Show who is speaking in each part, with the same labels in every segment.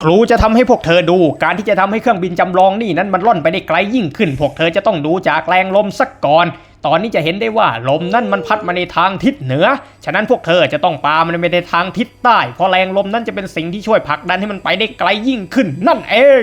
Speaker 1: รูจะทำให้พวกเธอดูการที่จะทำให้เครื่องบินจำลองนี่นั้นมันล่อนไปได้ไกลยิ่งขึ้นพวกเธอจะต้องดูจากแรงลมสักก่อนตอนนี้จะเห็นได้ว่าลมนั่นมันพัดมาในทางทิศเหนือฉะนั้นพวกเธอจะต้องปามันไปในทางทิศใต้เพราะแรงลมนั้นจะเป็นสิ่งที่ช่วยผลักดันให้มันไปได้ไกลยิ่งขึ้นนั่นเอง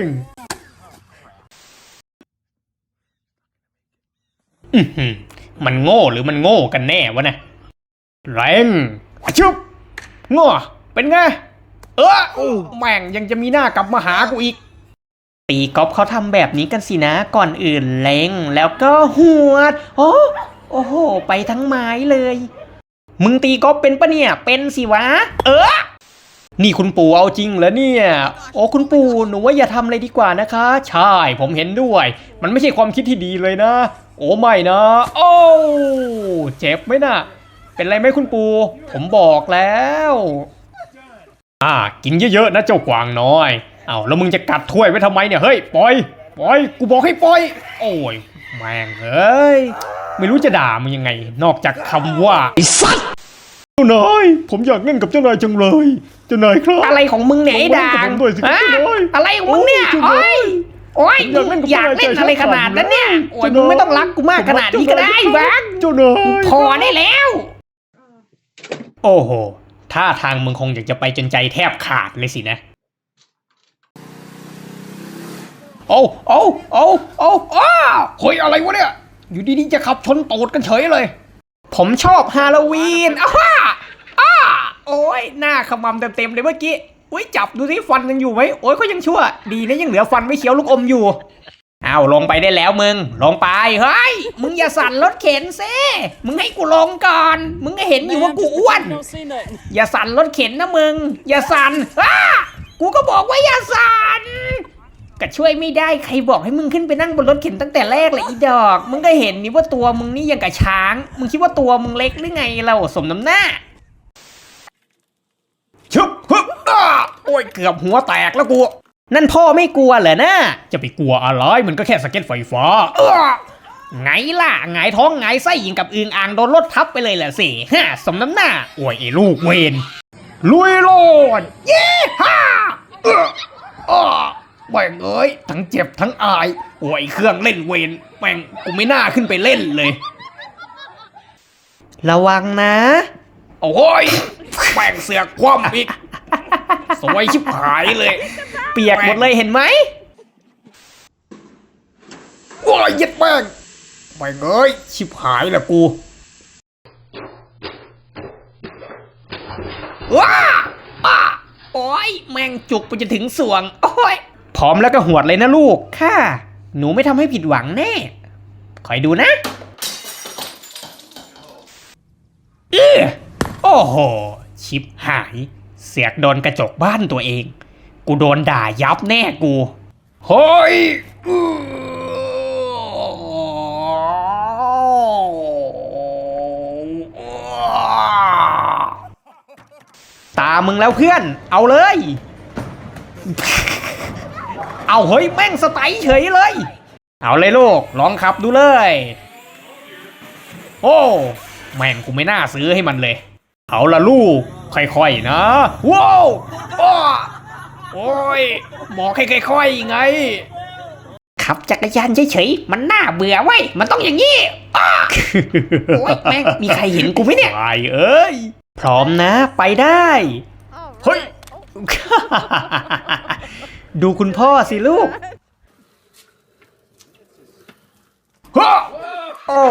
Speaker 1: มันโง่หรือมันโง่กันแน่วะนะแรงชุบง้อเป็นไงแม่งยังจะมีหน้ากลับมาหากูอีกตีกอล์ฟเขาทำแบบนี้กันสินะก่อนอื่นเล็งแล้วก็หวดโอ้โหไปทั้งไม้เลยมึงตีกอล์ฟเป็นปะเนี่ยเป็นสิวะนี่คุณปู่เอาจริงเหรอเนี่ยโอ้คุณปู่หนูว่าอย่าทำเลยดีกว่านะคะใช่ผมเห็นด้วยมันไม่ใช่ความคิดที่ดีเลยนะโอ้ไม่นะโอ้เจ็บไหมนะเป็นไรไหมคุณปู่ผมบอกแล้วกินเยอะๆนะเจ้ากวางน้อยแล้วมึงจะกัดถ้วยไว้ทำไมเนี่ยเฮ้ยปล่อยกูบอกให้ปล่อยโอ้ยแม่งเอ้ยไม่รู้จะด่ามึงยังไงนอกจากคำว่าไอ้สัตว์เจ้านายผมอยากเล่นกับเจ้านายจังเลยเจ้านายครับอะไรของมึงเนี่ยไอ้ด่างอะไรของมึงเนี่ยโอ้ยอยากเล่นอะไรขนาดนั้นเนี่ยโอ้ยมึงไม่ต้องรักกูมากขนาดนี้ก็ได้บ้างเจ้านายพอได้แล้วโอ้โหท่าทางมึงคงอยากจะไปจนใจแทบขาดเลยสินะโอ้เฮ้ยอะไรวะเนี่ยอยู่ดีๆจะขับชนตูดกันเฉยเลยผมชอบฮาโลวีนโอ้ยหน้าขมำเต็มเลยเมื่อกี้อุ้ยจับดูสิฟันยังอยู่ไหมโอ้ยก็ยังชั่วดีนะยังเหลือฟันไม่เคี้ยวลูกอมอยู่ลงไปได้แล้วมึงลงไปเฮ้ยมึงอย่าสั่นรถเข็นซิมึงให้กูลงก่อนมึงก็เห็นอยู่ว่ากูอ้วนอย่าสั่นรถเข็นนะมึงอย่าสั่นกูก็บอกว่าอย่าสั่นก็ช่วยไม่ได้ใครบอกให้มึงขึ้นไปนั่งบนรถเข็นตั้งแต่แรกเลยอีดอกมึงก็เห็นนี่ว่าตัวมึงนี่ยังกับช้างมึงคิดว่าตัวมึงเล็กหรือไงเราสมน้ำหน้าชุบโอ้ยเกือบหัวแตกแล้วกูนั่นพ่อไม่กลัวเหรอนะจะไปกลัวอะไรมันก็แค่สเก็ตไฟฟ้าไงล่ะไงท้องไงไส้ยิงกับอึงอ่างโดนรถทับไปเลยแหละสิสมน้ำหน้าโอ้ยไอ้ลูกเวนลุยโลดเย้แม่งเอ้ยทั้งเจ็บทั้งอายโอ้ยเครื่องเล่นเวนแม่งกูไม่น่าขึ้นไปเล่นเลยระวังนะโอ้ยแม่งเสือกคว่ำอีกสวยชิบหายเลยเปียกหมดเลยเห็นไหมโอ้ยยัดแม่งเอ้ยชิบหายละกูว้าโอ้ยแม่งจุกไปจนถึงสวงโอ้ยพร้อมแล้วก็หวดเลยนะลูกค่ะหนูไม่ทำให้ผิดหวังแน่คอยดูนะโอ้โหชิบหายเสียกโดนกระจกบ้านตัวเองกูโดนด่ายับแน่กูเฮ้ยตามึงแล้วเพื่อนเอาเลยเฮ้ยแม่งสไตล์เฉยเลยเอาเลยลูกลองขับดูเลยโอ้แม่งกูไม่น่าซื้อให้มันเลยเอาละลูกค่อยๆนะว้าวโอ้ยบอกให้ค่อยๆไงขับจักรยานเฉยๆมันน่าเบื่อเว้ยมันต้องอย่างนี้โอ้ยแม่งมีใครเห็นกูไหมเนี่ยไปเอ้ยพร้อมนะไปได้เฮ้ยดูคุณพ่อสิลูกโอ้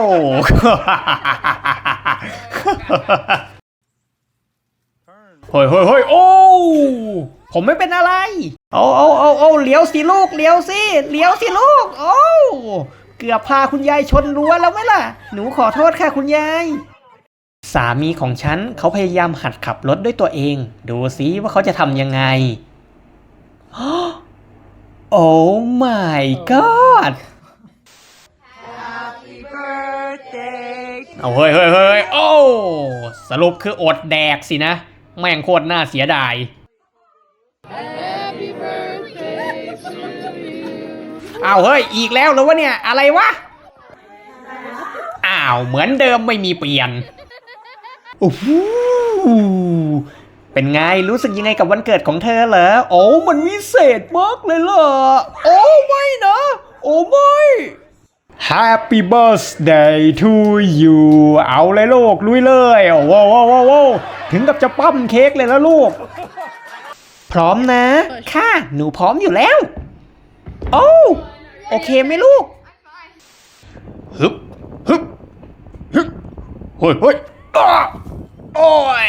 Speaker 1: เฮ้ยโอ้ผมไม่เป็นอะไรเอาเลี้ยวสิลูกเลี้ยวสิลูกโอ้เกือบพาคุณยายชนรั้วแล้วไหมล่ะหนูขอโทษค่ะคุณยายสามีของฉันเขาพยายามหัดขับรถด้วยตัวเองดูสิว่าเขาจะทำยังไงโอ้ my god เอาเฮ้ยโอ้สรุปคืออดแดกสินะแม่งโคตรน่าเสียดายเฮ้ยอีกแล้วเหรอวะเนี่ยอะไรวะเหมือนเดิมไม่มีเปลี่ยนโอ้โหเป็นไงรู้สึกยังไงกับวันเกิดของเธอเหรอโอ้มันวิเศษมากเลยเหรอโอ้ไม่นะโอ้ไม่ Happy birthday to you เอาเลยลูกลุยเลยโอ้โหถึงกับจะปั้มเค้กเลยแล้วลูกพร้อมนะค่ะหนูพร้อมอยู่แล้วโอ้โอเคไหมลูกฮึบฮึบฮึบเฮ้ยโอ้ย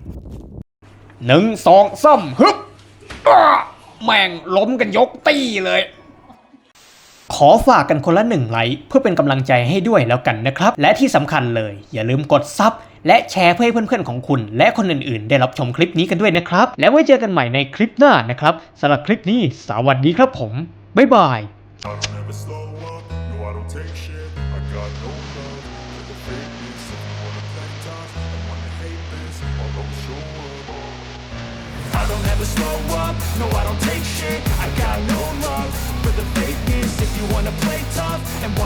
Speaker 1: 1 2 3ฮึบแม่งล้มกันยกตี้เลยขอฝากกันคนละ1 ไลค์เพื่อเป็นกำลังใจให้ด้วยแล้วกันนะครับและที่สำคัญเลยอย่าลืมกดซับและแชร์เพื่อให้เพื่อนๆของคุณและคนอื่นๆได้รับชมคลิปนี้กันด้วยนะครับแล้วไว้เจอกันใหม่ในคลิปหน้านะครับสำหรับคลิปนี้สวัสดีครับผมบ๊ายบาย
Speaker 2: I don't ever slow up, no I don't take shit. I got no love for the fakeness. If you wanna play tough and wanna hate this, I'll always show up. I don't ever slow up, no I don't take shit. I got no love for the fakeness. If you wanna play tough and wanna